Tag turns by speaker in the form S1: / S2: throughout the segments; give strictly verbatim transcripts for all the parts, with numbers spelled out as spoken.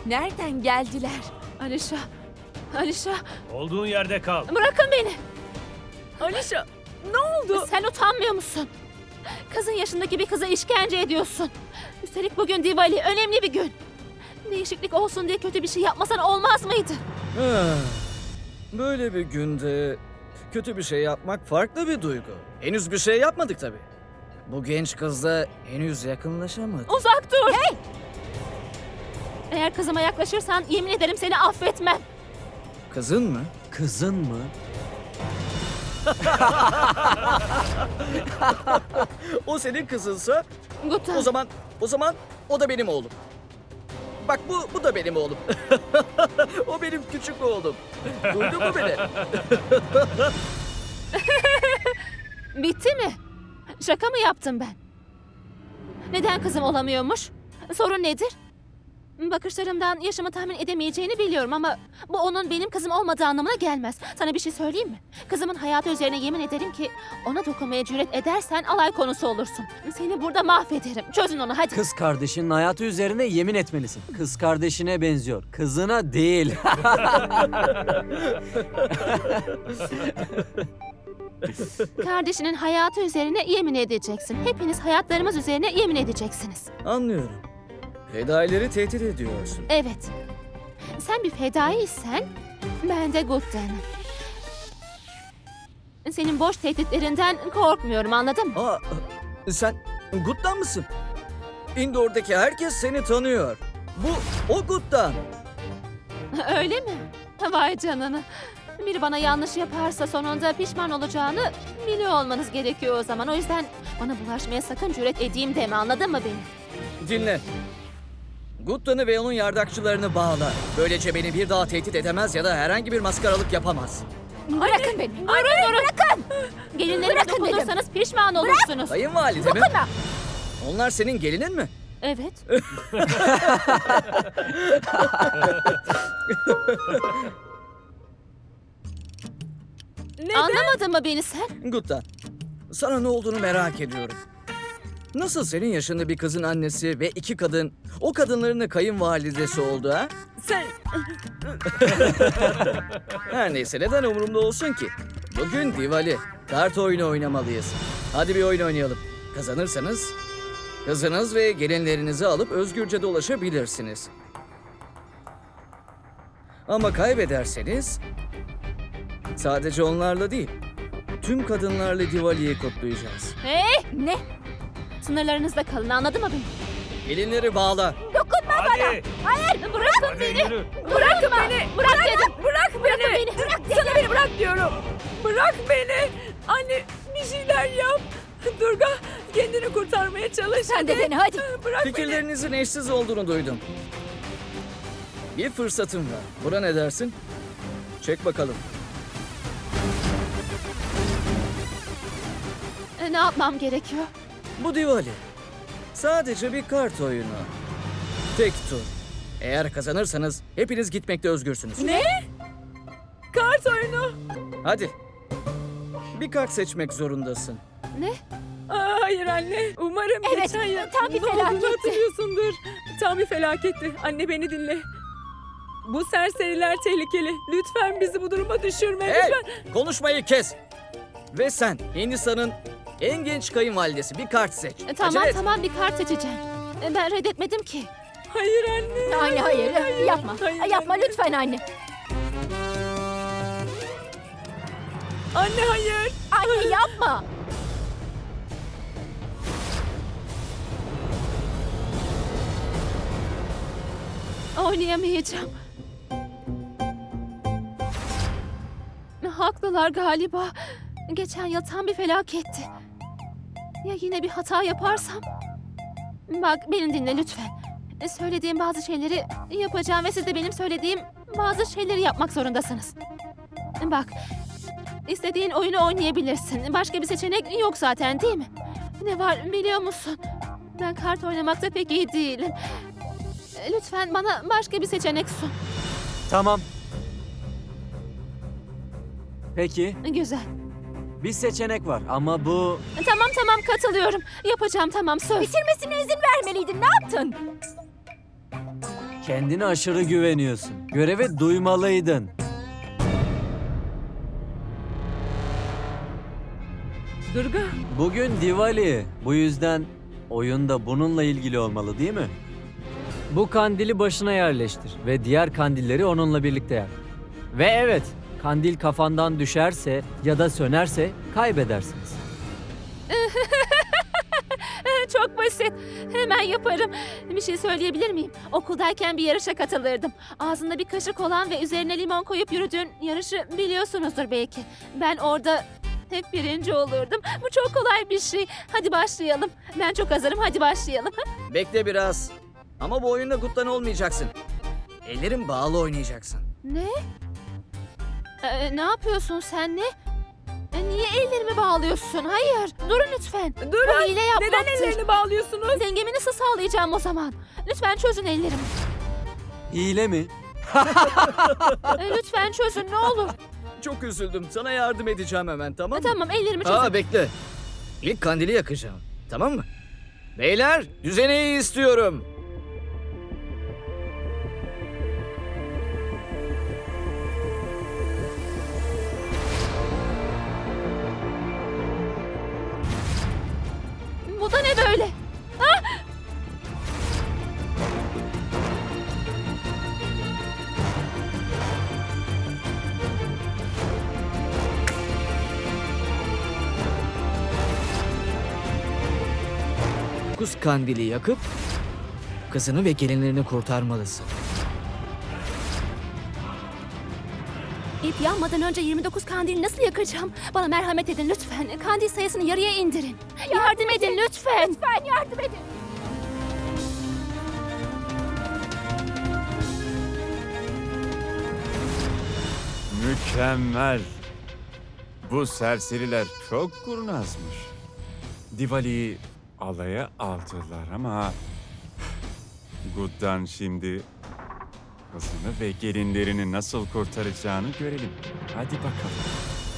S1: Nereden geldiler?
S2: Alişa, Alişa
S3: Olduğun yerde kal.
S2: bırakın beni.
S1: Alişa, ne oldu?
S2: Sen utanmıyor musun? Kızın yaşındaki bir kıza işkence ediyorsun. Üstelik bugün Diwali, önemli bir gün. Değişiklik olsun diye kötü bir şey yapmasan olmaz mıydı?
S4: Ah, Böyle bir günde kötü bir şey yapmak farklı bir duygu. Henüz bir şey yapmadık tabii. Bu genç kızla henüz yakınlaşamadık.
S2: Uzak dur! Hey! Eğer kızıma yaklaşırsan yemin ederim seni affetmem.
S4: Kızın mı?
S5: Kızın mı?
S4: O senin kızınsa
S2: Gupta,
S4: o zaman o zaman o da benim oğlum. Bak bu bu da benim oğlum. O benim küçük oğlum. Duydun mu beni?
S2: bitti mi? Şaka mı yaptım ben? Neden kızım olamıyormuş? Sorun nedir? Bakışlarımdan yaşımı tahmin edemeyeceğini biliyorum ama bu onun benim kızım olmadığı anlamına gelmez. Sana bir şey söyleyeyim mi? Kızımın hayatı üzerine yemin ederim ki ona dokunmaya cüret edersen alay konusu olursun. Seni burada mahvederim. Çözün onu hadi.
S5: Kız kardeşinin hayatı üzerine yemin etmelisin. Kız kardeşine benziyor. Kızına değil.
S2: Kardeşinin hayatı üzerine yemin edeceksin. Hepiniz hayatlarımız üzerine yemin edeceksiniz.
S4: Anlıyorum. Fedaileri tehdit ediyorsun.
S2: Evet. Sen bir fedaiysen ben de Gupta'nım. Senin boş tehditlerinden korkmuyorum, anladın mı?
S4: Aa, sen Gut'tan mısın? Indoor'daki herkes seni tanıyor. Bu o Gut'tan.
S2: Öyle mi? Vay canına. Biri bana yanlış yaparsa sonunda pişman olacağını biliyor olmanız gerekiyor o zaman. O yüzden bana bulaşmaya sakın cüret edeyim deme, anladın mı beni?
S4: Dinle. Guttan'ı ve onun yardakçılarını bağla. Böylece beni bir daha tehdit edemez ya da herhangi bir maskaralık yapamaz.
S2: Bırakın beni. Durun durun. Bırakın. Gelinlerime dokunursanız pişman olursunuz.
S4: Kayınvalide mi? Onlar senin gelinin mi?
S2: Evet. Anlamadın mı beni sen?
S4: Guttan, sana ne olduğunu merak ediyorum. Nasıl senin yaşında bir kızın annesi ve iki kadın, o kadınların da kayınvalidesi oldu ha?
S1: Sen...
S4: Her neyse neden umurumda olsun ki? Bugün Diwali, kart oyunu oynamalıyız. Hadi bir oyun oynayalım. Kazanırsanız kızınız ve gelinlerinizi alıp özgürce dolaşabilirsiniz. Ama kaybederseniz sadece onlarla değil, tüm kadınlarla Diwali'yi kutlayacağız.
S2: Hey! Ne? Sınırlarınızda kalın, anladın mı beni?
S4: Gelinleri bağla.
S3: Hadi.
S2: Hayır! Bırakın
S3: Hadi
S2: beni!
S3: yürü.
S2: Bırakın beni! Bırak dedim!
S1: Bırak beni!
S2: beni.
S1: Bırak Sana beni bırak diyorum! Bırak beni! Anne bir şeyler yap! Durga kendini kurtarmaya çalış.
S2: Sen de beni, hadi.
S1: Bırak beni!
S4: Fikirlerinizin eşsiz olduğunu duydum. Bir fırsatım var. Buna ne dersin? Çek bakalım.
S2: E, Ne yapmam gerekiyor?
S4: Bu Diwali. Sadece bir kart oyunu. Tek tur. Eğer kazanırsanız hepiniz gitmekte özgürsünüz.
S1: Ne? Kart oyunu.
S4: Hadi. Bir kart seçmek zorundasın.
S2: Ne?
S1: Aa, hayır anne. Umarım
S2: Evet,
S1: geçen yıl
S2: tam bir
S1: ne olduğunu
S2: felaketti.
S1: hatırlıyorsundur. Tam bir felaketti. Anne beni dinle. Bu serseriler tehlikeli. Lütfen bizi bu duruma düşürme.
S4: Hey!
S1: Lütfen.
S4: Konuşmayı kes. Ve sen Hindistan'ın en genç kayınvalidesi bir kart seç.
S2: E, Tamam
S4: Acele et.
S2: tamam bir kart seçeceğim. E, Ben reddetmedim ki.
S1: Hayır anne.
S2: Anne hayır, yapma.
S1: Hayır,
S2: yapma
S1: anne.
S2: lütfen anne.
S1: Anne hayır.
S2: Anne yapma. Oynayamayacağım. Haklılar galiba. Geçen yıl tam bir felaketti. Ya yine bir hata yaparsam? Bak beni dinle lütfen. Söylediğim bazı şeyleri yapacağım ve siz de benim söylediğim bazı şeyleri yapmak zorundasınız. Bak, istediğin oyunu oynayabilirsin. Başka bir seçenek yok zaten değil mi? Ne var biliyor musun? Ben kart oynamakta pek iyi değilim. Lütfen bana başka bir seçenek sun.
S5: Tamam. Peki,
S2: Güzel.
S5: bir seçenek var ama bu...
S2: Tamam tamam katılıyorum. Yapacağım tamam söz.
S1: Bitirmesine izin vermeliydin. Ne yaptın?
S5: Kendine aşırı güveniyorsun. Görevi duymalıydın.
S1: Durga,
S5: Bugün Diwali. Bu yüzden oyun da bununla ilgili olmalı değil mi? Bu kandili başına yerleştir ve diğer kandilleri onunla birlikte yak. Ve evet, kandil kafandan düşerse ya da sönerse kaybedersiniz.
S2: Çok basit. Hemen yaparım. Bir şey söyleyebilir miyim? Okuldayken bir yarışa katılırdım. Ağzında bir kaşık olan ve üzerine limon koyup yürüdüğün yarışı biliyorsunuzdur belki. Ben orada hep birinci olurdum. Bu çok kolay bir şey. Hadi başlayalım. Ben çok hazırım. Hadi başlayalım.
S4: Bekle biraz. Ama bu oyunda Gut'tan olmayacaksın. Ellerin bağlı oynayacaksın.
S2: Ne? Ee, ne yapıyorsun sen ne? Ee, niye ellerimi bağlıyorsun? Hayır. Durun lütfen.
S1: Durun.
S2: Bu hile yapmaktır.
S1: neden ellerini bağlıyorsunuz?
S2: Dengemi nasıl sağlayacağım o zaman? Lütfen çözün ellerimi.
S5: Hile mi?
S2: Ee, lütfen çözün ne olur.
S4: Çok üzüldüm. Sana yardım edeceğim hemen, tamam
S2: Ee,
S4: mı?
S2: tamam ellerimi çözün.
S4: Aa, bekle. İlk kandili yakacağım. Tamam mı? Beyler, düzeneyi istiyorum.
S2: Bu da ne böyle?
S4: Dokuz kandili yakıp kızını ve gelinlerini kurtarmalısın.
S2: İp yanmadan önce yirmi dokuz kandili nasıl yakacağım? Bana merhamet edin lütfen. Kandil sayısını yarıya indirin. Yardım, edin lütfen. Lütfen yardım edin.
S6: Mükemmel. Bu serseriler çok kurnazmış. Diwali'yi alaya aldılar ama... Gud'dan şimdi kızını ve gelinlerini nasıl kurtaracağını görelim. Hadi bakalım.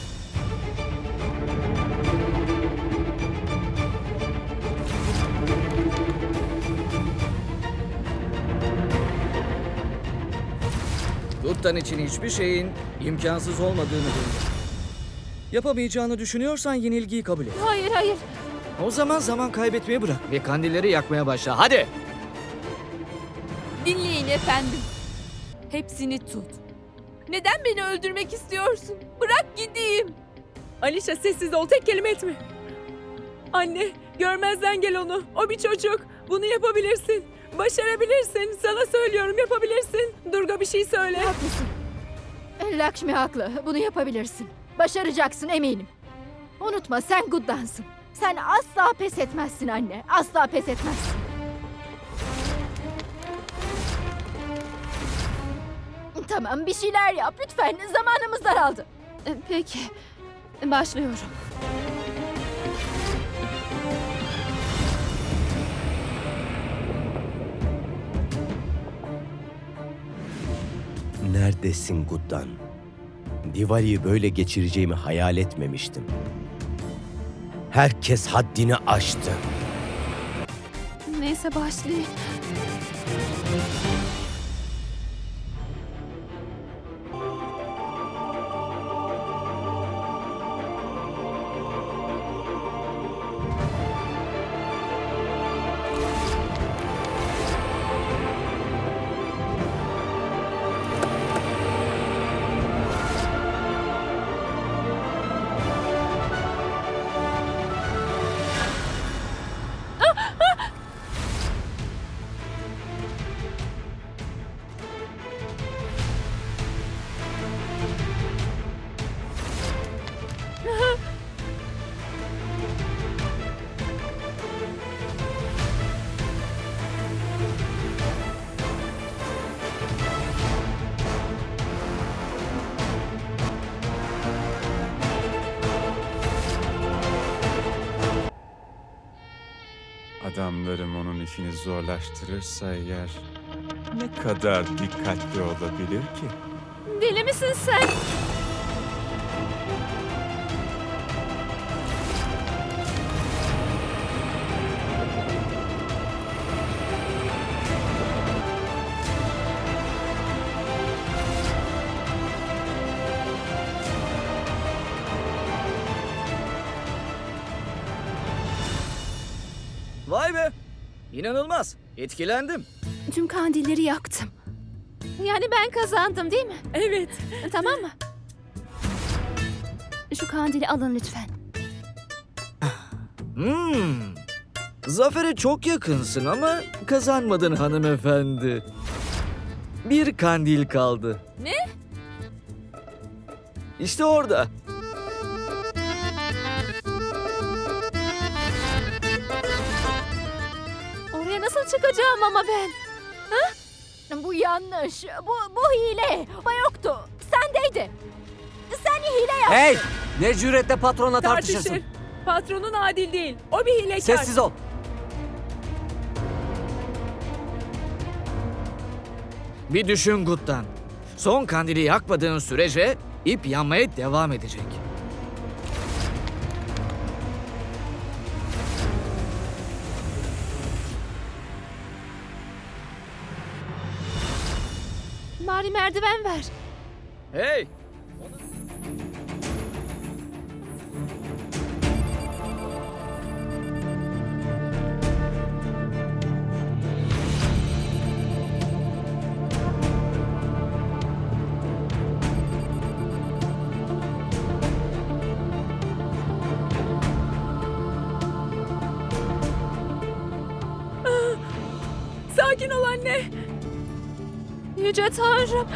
S4: Gut'tan için hiçbir şeyin imkansız olmadığını duydum. Yapamayacağını düşünüyorsan yenilgiyi kabul et.
S2: Hayır hayır.
S4: O zaman zaman kaybetmeyi bırak ve kandilleri yakmaya başla. Hadi!
S1: Dinleyin efendim. Hepsini tut. Neden beni öldürmek istiyorsun? Bırak gideyim. Alişa sessiz ol, tek kelime etme. Anne, görmezden gel onu. O bir çocuk. Bunu yapabilirsin. Başarabilirsin. Sana söylüyorum, yapabilirsin. Durga bir şey söyle.
S7: Haklısın. Lakshmi haklı. Bunu yapabilirsin. Başaracaksın eminim. Unutma sen Gud'dansın. Sen asla pes etmezsin anne. Asla pes etmezsin. Tamam bir şeyler yap lütfen. Zamanımız daraldı.
S2: Ee, Peki. Başlıyorum.
S8: Neredesin Gud'dan? Diwali'yi böyle geçireceğimi hayal etmemiştim. Herkes haddini aştı.
S2: Neyse başlayayım.
S6: Adamlarım onun işini zorlaştırırsa eğer ne kadar dikkatli olabilir ki?
S2: Deli misin sen?
S4: İnanılmaz. Etkilendim.
S2: Tüm kandilleri yaktım. Yani ben kazandım değil mi?
S1: Evet.
S2: Tamam mı? Şu kandili alın lütfen.
S4: Hmm. Zafere çok yakınsın ama kazanmadın hanımefendi. Bir kandil kaldı.
S1: Ne?
S4: İşte orada.
S2: Oraya nasıl çıkacağım ama ben?
S7: Bu yanlış. Bu, bu hile. O yoktu. Sendeydi. Sen hile yaptın.
S5: Hey! Ne cüretle patronla tartışırsın?
S1: Tartışır. Patronun adil değil. O bir hilekar.
S5: Sessiz ol.
S4: Bir düşün Gut'tan. Son kandili yakmadığın sürece ip yanmaya devam edecek.
S2: Bari merdiven ver.
S4: Hey!
S1: Sakin ol anne.
S2: Yüce Tanrım.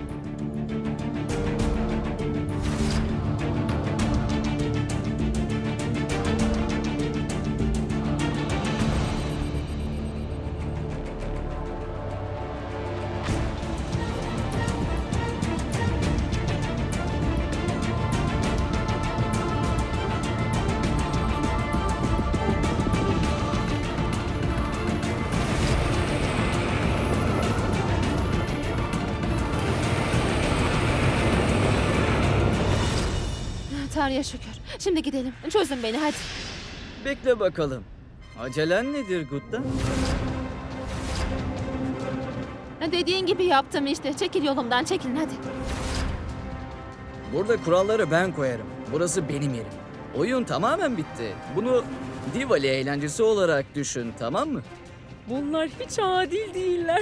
S2: Tanrı'ya şükür. Şimdi gidelim. Çözün beni hadi.
S4: Bekle bakalım. Acelen nedir Gut'tan?
S2: Dediğin gibi yaptım işte. Çekil yolumdan çekilin hadi.
S4: Burada kuralları ben koyarım. Burası benim yerim. Oyun tamamen bitti. Bunu Diwali eğlencesi olarak düşün, tamam mı?
S1: Bunlar hiç adil değiller.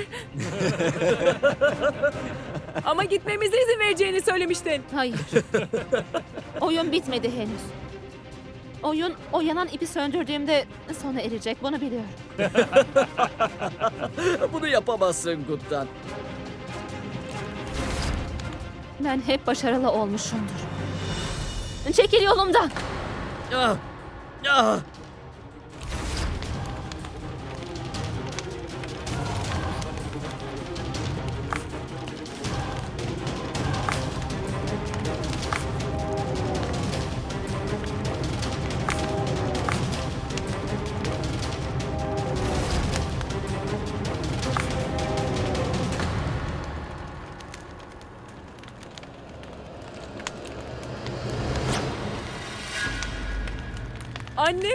S1: Ama gitmemize izin vereceğini söylemiştin.
S2: Hayır. Oyun bitmedi henüz. Oyun o yanan ipi söndürdüğümde sona erecek. Bunu biliyorum.
S4: Bunu yapamazsın Gut'tan.
S2: Ben hep başarılı olmuşumdur. Çekil yolumdan.
S4: Ah! Ah!
S1: Anne.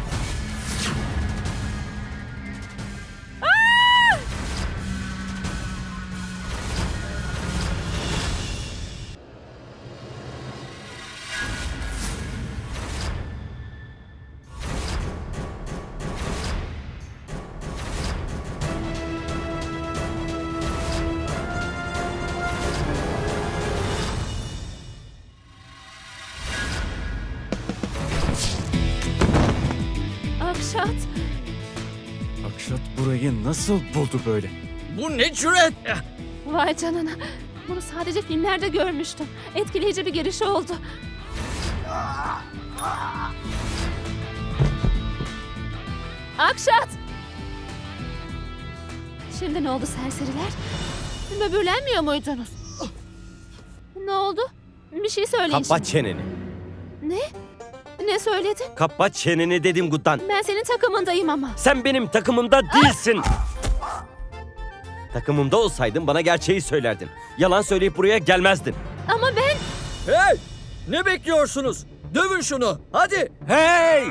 S2: Akşat.
S6: Akşat burayı nasıl buldu böyle?
S4: Bu ne cüret?
S2: Vay canına. Bunu sadece filmlerde görmüştüm. Etkileyici bir giriş oldu. Akşat! Şimdi ne oldu serseriler? Böbürlenmiyor muydunuz? Ne oldu? Bir şey söyleyin
S8: Kapat
S2: şimdi.
S8: çeneni.
S2: Ne? Ne söyledin?
S8: Kapat çeneni dedim Guttan.
S2: Ben senin takımındayım ama.
S8: Sen benim takımımda değilsin. Takımımda olsaydın bana gerçeği söylerdin. Yalan söyleyip buraya gelmezdin.
S2: Ama ben...
S4: Hey! Ne bekliyorsunuz? Dövün şunu. Hadi.
S8: Hey!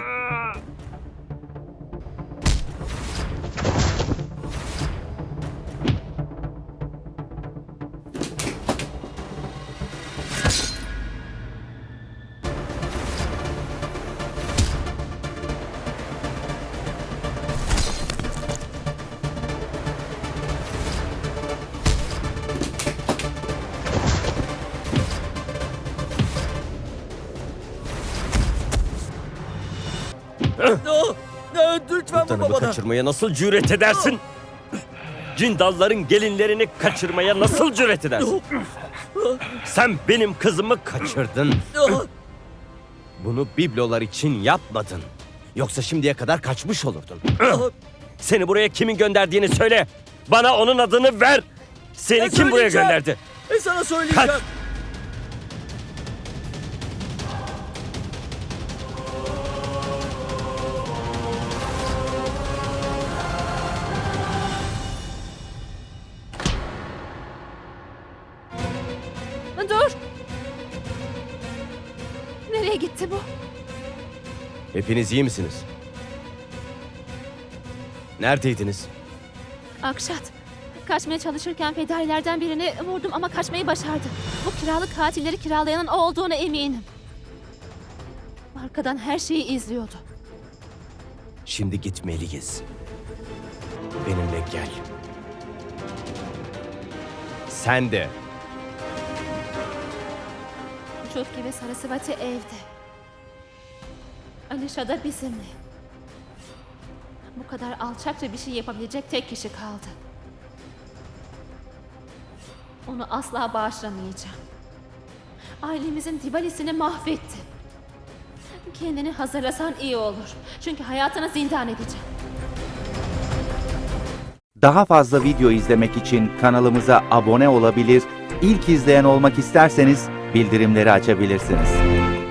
S4: Oh, oh, lütfen
S8: Sultanımı
S4: baba bana.
S8: kaçırmaya nasıl cüret edersin? Cindalların gelinlerini kaçırmaya nasıl cüret edersin? Sen benim kızımı kaçırdın.
S4: Oh,
S8: Bunu biblolar için yapmadın. Yoksa şimdiye kadar kaçmış olurdun.
S4: oh.
S8: Seni buraya kimin gönderdiğini söyle. Bana onun adını ver. Seni
S4: Ben
S8: kim buraya
S4: söyleyeceğim.
S8: gönderdi?
S4: E sana söyleyeceğim.
S8: Kaç.
S2: Dur! Nereye gitti bu?
S8: Hepiniz iyi misiniz? Neredeydiniz?
S2: Akşat. Kaçmaya çalışırken fedailerden birini vurdum ama kaçmayı başardı. Bu kiralık katilleri kiralayanın o olduğuna eminim. Arkadan her şeyi izliyordu.
S8: Şimdi gitmeliyiz. Benimle gel. Sen de.
S2: Çutki ve Sarasvati evde. Alisha da bizimle. Bu kadar alçakça bir şey yapabilecek tek kişi kaldı. Onu asla bağışlamayacağım. Ailemizin Diwali'sini mahvetti. Kendini hazırlasan iyi olur. Çünkü hayatını zindan edeceğim.
S9: Daha fazla video izlemek için kanalımıza abone olabilir, ilk izleyen olmak isterseniz bildirimleri açabilirsiniz.